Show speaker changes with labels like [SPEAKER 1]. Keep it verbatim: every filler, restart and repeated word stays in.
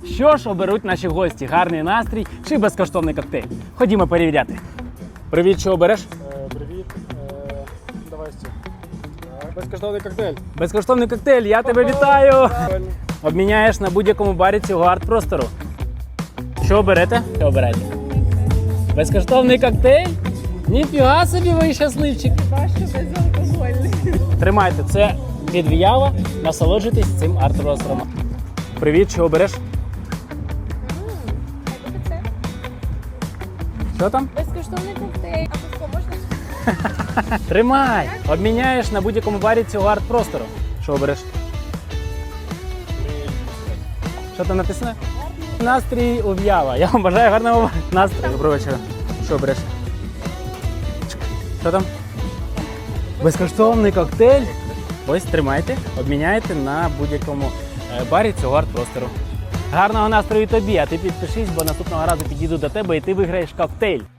[SPEAKER 1] Що ж оберуть наші гості? Гарний настрій чи безкоштовний коктейль? Ходімо перевіряти. Привіт, що обереш?
[SPEAKER 2] Е, привіт. Е, давай стій. Безкоштовний коктейль.
[SPEAKER 1] Безкоштовний коктейль, я тебе вітаю!
[SPEAKER 2] Правильно.
[SPEAKER 1] Обміняєш на будь-якому барі цього арт-простору. Що оберете? Що обираєте? Безкоштовний коктейль? Ніфіга собі, ви щасливчик!
[SPEAKER 3] Важко безалкогольний.
[SPEAKER 1] Тримайте, це від Віява, насолоджуйтесь цим арт-простором. Привіт, що обереш?
[SPEAKER 3] Це
[SPEAKER 1] Що там?
[SPEAKER 3] безкоштовний коктейль. А пивко можна?
[SPEAKER 1] Тримай! Обміняєш на будь-якому барі цього арт-простору. Що обереш? Що там написано? Настрій у В'ява. Я вам бажаю гарного настрою. Доброго вечора. Що обереш? Що там? Безкоштовний коктейль. Ось тримайте, обміняйте на будь-якому е, барі цього арт-простору. Гарного настрою тобі, а ти підпишись, бо наступного разу підійду до тебе і ти виграєш коктейль.